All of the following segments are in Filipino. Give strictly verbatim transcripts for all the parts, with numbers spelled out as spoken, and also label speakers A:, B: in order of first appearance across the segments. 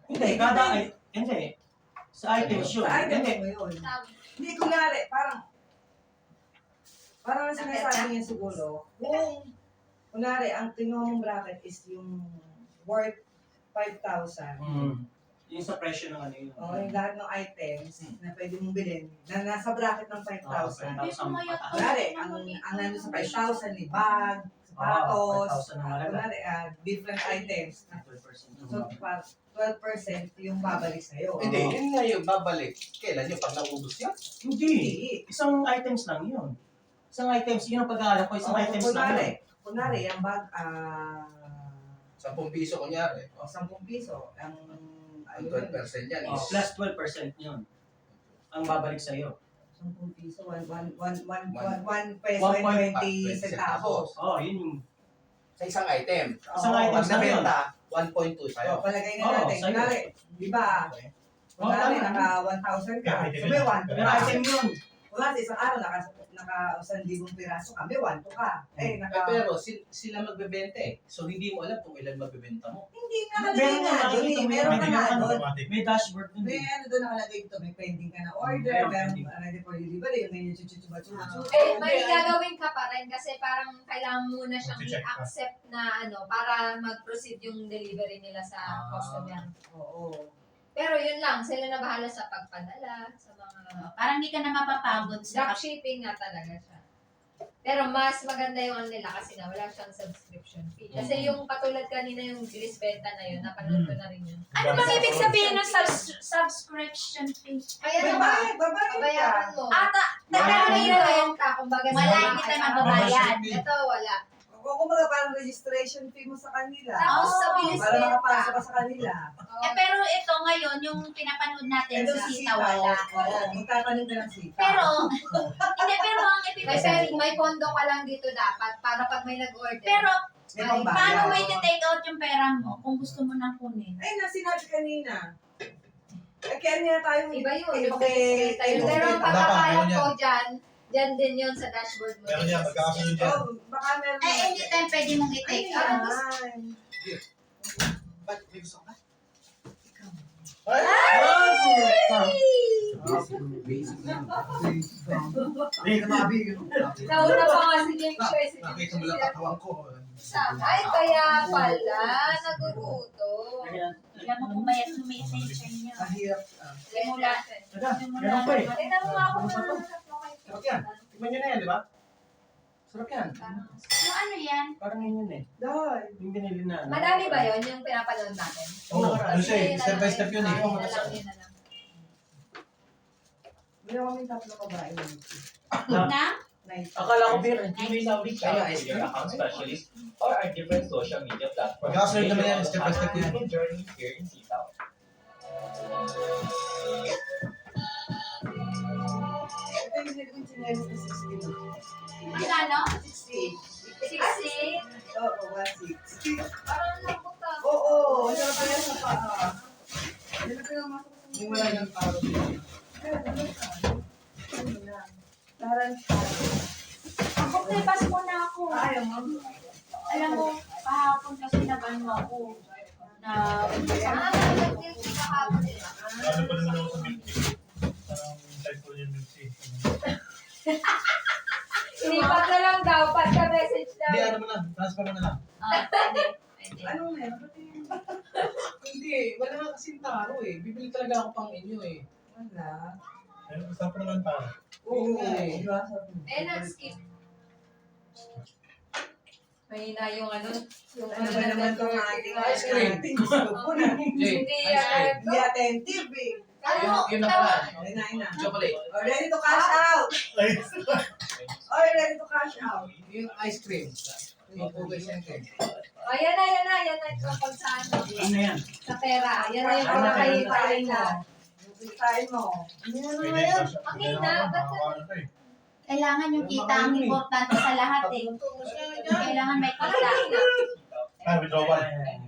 A: Hindi, kada ay, hindi. Sa items yun.
B: Sa items
A: Hindi.
B: mo yun. Hindi, kunwari, parang, parang ang sinasabi niya siguro, kung, kunwari, ang kinuha mong bracket is yung worth five thousand.
A: Mm. Yung sa presyo ng ano yun.
B: O, yung lahat ng items na pwede mong bilhin, na nasa bracket ng five thousand.
A: five thousand pataas.
B: Kunwari, ang, ang nandun sa five thousand, ni bag, sapatos,
A: five thousand na malaga.
B: kunwari, ah, different items.
A: twelve percent.
B: So, pa- twelve percent yung babalik sa'yo.
C: Hindi, yun nga yung babalik. Kailan yung pag naubos yun?
A: Hindi.
B: Hindi.
A: Isang items lang yun. Isang items, yun ang pag-aalap ko, isang
B: Oh,
A: items lang
B: kunwari,
A: yun.
B: kunwari, ang bag, ah,
C: Sampung piso kunyari.
B: o, sampung piso, ang,
C: Ang twelve percent yan
A: Oh,
C: is...
A: plus twelve percent yun. Ang babalik sa'yo.
B: sampung piso, one, one, one, one,
C: One-
B: one, one peso
A: one
B: and
A: point
B: twenty
C: five
B: centavos.
A: Oh, yun yung
C: Sa isang item.
A: isang
B: Oo,
A: item
C: Pag
A: lang yun.
C: nabenta, one point two
B: O,
C: sa'yo.
B: palagay na
A: Oo,
B: natin,
A: sa'yo.
B: kunwari, di ba,
A: Oh,
B: kunwari,
A: tama.
B: naka one thousand ka,
D: Yeah,
B: so may one to
A: Pero
B: ka.
A: item yun.
B: Kunwari, isang araw, naka, naka one libong piraso ka, may one to ka. Eh,
C: Eh,
B: naka,
C: pero sil- sila magbebenta eh. So hindi mo alam kung ilan magbebenta mo.
B: hindi nakalagay
A: Meron
B: nga
A: nga
B: doon eh,
A: dito,
B: meron ka
A: may
B: nga
A: ganun.
B: doon.
D: Automatic.
A: May dashboard dun.
B: May
A: eh.
B: ano doon nakalagay dito, may pending ka na order,
A: Meron
B: meron
A: pending.
B: uh, ready for delivery, may chuchuchuba-chuba.
E: Eh, may gagawin ka pa rin kasi parang kailangan muna siyang
D: Mag-check ka.
E: i-accept na ano para mag-proceed yung delivery nila sa
C: Ah.
E: customer.
B: Oo.
E: Pero yun lang, sila na bahala sa pagpadala, sa mga
F: Parang hindi ka na mapapagod sa
E: dropshipping nga talaga siya. Pero mas maganda yung ano nila kasi nga wala siyang subscription fee. Kasi yung katulad kanina yung Gris Benta na yun, napanood ko na rin yun.
F: Ano bang ibig sabihin ng subs- subscription fee?
E: Kaya naman,
B: Babayad, babayad ka.
E: babayaran mo.
F: Ata,
E: Pero
F: pero
E: may
F: yun,
E: renta, kumbaga sa
F: wala,
E: mga
F: hindi tayo
E: kasama.
F: magbabayad.
E: Ito, wala.
B: Kung kumbaga parang registration fee mo sa kanila.
E: Tapos sa
F: Oh,
E: Bilis
B: Para
E: Benta.
B: makapasok ka sa kanila.
F: Eh, pero ito ngayon, yung pinapanood natin
B: Ito
F: sa Sita, wala.
B: Oo, magtatanong ka ng sita.
F: Pero, hindi, pero ang ibig
E: May,
F: sabihin,
E: may pondo ka lang dito dapat para pag may nag-order.
F: pero,
B: May
E: Ay,
B: pambayad.
F: paano mo i-take out yung pera mo kung gusto mo nang kunin?
B: Ay, na sinabi kanina. Eh, kaya niya tayo.
E: iba yun.
B: Eh,
E: Yung
B: okay,
E: tayo.
B: eh,
E: Pero ang
B: okay.
E: pagkakalat ko dyan, dyan din yun sa dashboard mo.
D: Meron yan, magkakasunod yan.
B: Oh, baka meron.
F: Eh, anytime pwede mong i-take
B: Ay,
F: out.
B: yan.
C: Ba't may gusto ka? Basic lang.
D: Hey, kamabi.
E: Nauna pa nga si James Choi. Si James
C: Nakita mo lang
E: Choi.
C: katawan ko.
E: Ay, kaya pala. Naguguto.
F: Alam mo, pumayat yung may attention niya.
B: Mahirap. ah.
F: Simula,
A: Teka,
F: simula.
A: meron pa eh.
E: Tingnan mo nga kung
A: Ano pa to?
E: ano.
A: Sarap yan. Tikman nyo na yan, di ba? Sarap yan.
F: Yung ano yan?
A: Parang yun yun eh.
B: Dahil.
A: Yung binili na. ano.
E: Madami ba yun yung pinapanood natin?
D: Oo, ano siya eh,
E: Yun na
D: step by
E: lang,
D: step yun eh.
E: yun na lang, yun na lang.
B: Meron kaming tatlo kabae.
F: Na?
B: Nice.
A: Akala ko beer.
G: You may now reach out to your account specialist or our different social media platforms.
D: Magkakasunod naman yan,
G: Make
D: step by step
G: your
D: yan.
G: own journey here in Sitaw.
B: Ito yung nagawin chinelas na sixty na.
F: Magkano?
B: sixty.
E: sixty?
B: Oo, one sixty.
E: Parang lambot ka.
B: Oo, ang sarap pa yan sa paa. Yan ang pinamasak sa
C: Yung wala ng taro dito.
B: Ayun, ano ka? Ano na? Tarantado.
F: Ako, pas mo na ako.
B: Ayaw mo.
F: Alam mo, kahapon kasi nagano ako. Na,
E: Ah, nag-tilt ka kahapon eh.
D: Ano pa naman ako sa milk tea? Parang type ko yung milk tea.
E: Sinipat na lang daw, pagka-message
D: Hindi,
E: daw.
D: ano mo na, transfer mo na lang.
F: ah, pwede, pwede.
B: Anong meron? Ba't yung...
C: Hindi, wala nga kasing taro eh. Bibili talaga ako pang inyo eh.
B: Wala.
D: Ayun, basta pa naman tayo.
B: Oo,
C: nga eh.
B: di ba? Sabi mo.
E: Eh, nag-skip. Mahina yung ano, yung
B: Ano ba naman itong ating ice cream? Diyos ko na.
C: Jay,
E: Hindi
C: ice cream.
E: yan.
B: Hindi attentive eh.
C: Yun, yun na pala.
B: Ayun na, ayun na.
C: Chocolate.
B: Oh, ready to cash out.
D: Ay,
B: Oh, ready to cash out.
C: Yung ice cream. Yung Pugay Center.
E: Oh, yan na, yan na, yan na. Tungkol sa ano,
A: Ano yan?
E: sa pera. Yan na yung
B: Ano kayo
E: pinakahipain
B: mo?
E: na.
B: Yung kitain mo. Ano yan
D: pwede
B: na yan?
D: cash out.
E: Okay na, ba't
D: Nakakaano ka eh.
F: Kailangan yung kita ang importante sa lahat eh. Kailangan may
E: Parang
F: kita.
E: hindi na.
D: Ah, withdrawal.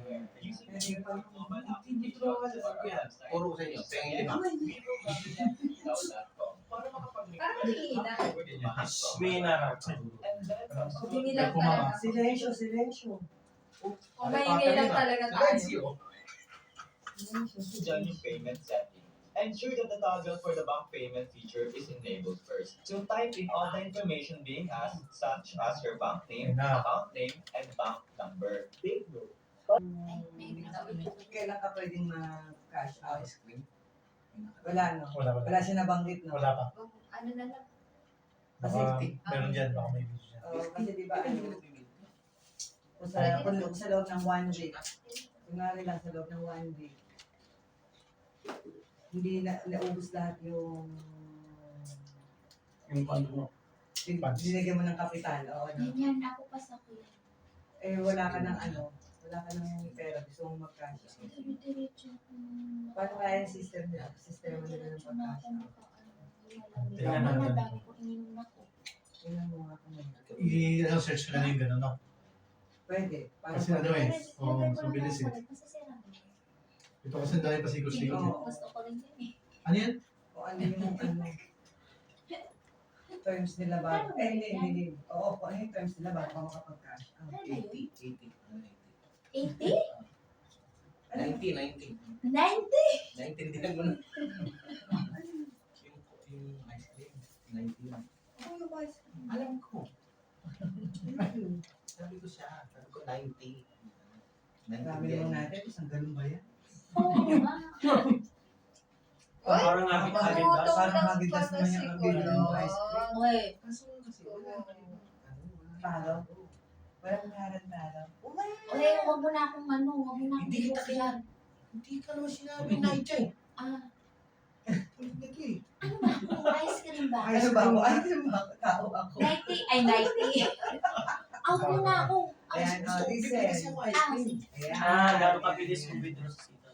C: Hindi ko Puro ko sa inyo. Pengi lima.
E: Parang hindi na.
A: May narap.
E: Hindi lang talaga.
B: Silensyo, silensyo.
E: Kung maingay lang talaga tayo.
C: Zero.
G: Dyan yung payment setting. Ensure that the toggle for the bank payment feature is enabled first. So type in all the information being asked, such as your bank name,
D: Ayun na.
G: account name, and bank number. Take note.
B: Kailan ka pwedeng mag-cash out?
C: Ice cream.
B: Wala, no?
D: Wala, wala.
B: Wala siya nabanggit, no?
D: Wala pa.
E: Ano na lang.
D: Baka meron dyan, baka may video dyan.
B: Oo, kasi di ba, ano, kung sa, kung sa loob ng one week, kunwari lang sa loob ng one week, hindi na naubos lahat yung
D: Yung ano mo.
B: bin-
D: Funds.
B: binigyan mo ng kapital. Oo, no?
F: Ganyan, ako pa sa kuya.
B: Eh, wala ka ng ano, wala ka ng pera, gusto mong mag-cash out.
F: Diretso ako.
B: Paano kaya yung system nila? Sistema nila ng
F: Diretso na
B: pag-cash
F: ako
B: out?
F: makaano.
D: Tingnan
F: Wala,
D: natin.
F: dami ko ininom ako.
B: Tingnan mo nga kung ano.
D: I-search ko na yung gano'n, no?
B: Pwede. Para
D: Kasi ano eh, oo,
F: Lagay ko
D: so
F: lang
D: bilis
F: ako,
D: eh.
F: nagpasasira ko.
D: Ito kasi ang dami pasikot-sikot eh.
B: Oo.
F: Gusto ko rin yun eh.
D: Ano yan?
B: Kung ano yung ano, terms nila bago. Eh, hindi, hindi, hindi. Oo, kung ano yung terms nila bago ka makapag-cash out.
F: Ano ba yun?
C: eighty, eighty.
F: eighty?
C: ninety, ninety.
F: ninety?
C: Naintindihan mo na. Yung, yung ice cream, ninety lang.
B: Ano ba?
C: Alam ko. Sabi ko siya, sabi ko ninety.
B: Marami naman natin. Isang galon ba yan?
F: Oo nga.
A: Parang habit-habit ba?
E: Tumutong
B: Parang
E: lang
B: habitas
E: pa
B: naman
E: si
B: yung ang
E: Kuya.
B: bilhin ng ice cream.
F: Okay.
C: Kaso kasi wala.
B: Talo? Walang karan talo.
F: Okay, huwag mo na akong ano, huwag mo na akong
C: Hindi kita
F: i-post yan.
C: Hindi ka naman sinabi night eh.
F: Ah,
C: Hindi ka eh.
F: ano ba? Ice cream ba?
B: Ano ba ako? Ano ba? Tao ako.
F: ninety? Ay, ninety. Out mo na ako.
B: Ayan,
C: Gusto
B: oh,
C: ko
B: this
C: bibili
B: is.
C: kasi ako ice
F: Ah,
C: cream.
B: Ayan.
A: Ah, gano'n ka bilis kung withdraw sa sita.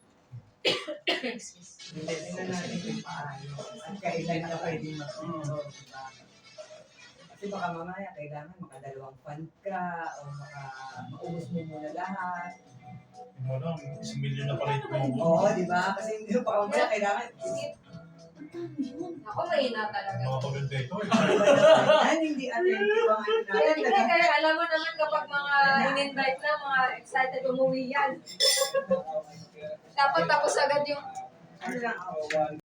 B: Tingnan natin kung paano. At kailan ka pwede mag-withdraw, diba? Kasi baka mamaya kailangan makadalawang fund ka o maka maubos mo muna lahat.
D: Yung mo lang, isang milyon na pala yung
B: Oo, di ba? Kasi hindi mo pa mamaya kailangan.
F: Ang dami yun.
E: Ako mahina talaga.
D: Mga paganda ito.
B: Yan, hindi attentive ang ano natin.
E: Hindi, kaya alam mo naman kapag mga in-invite na, mga excited umuwi yan. Dapat tapos agad yung
B: Ano lang ako.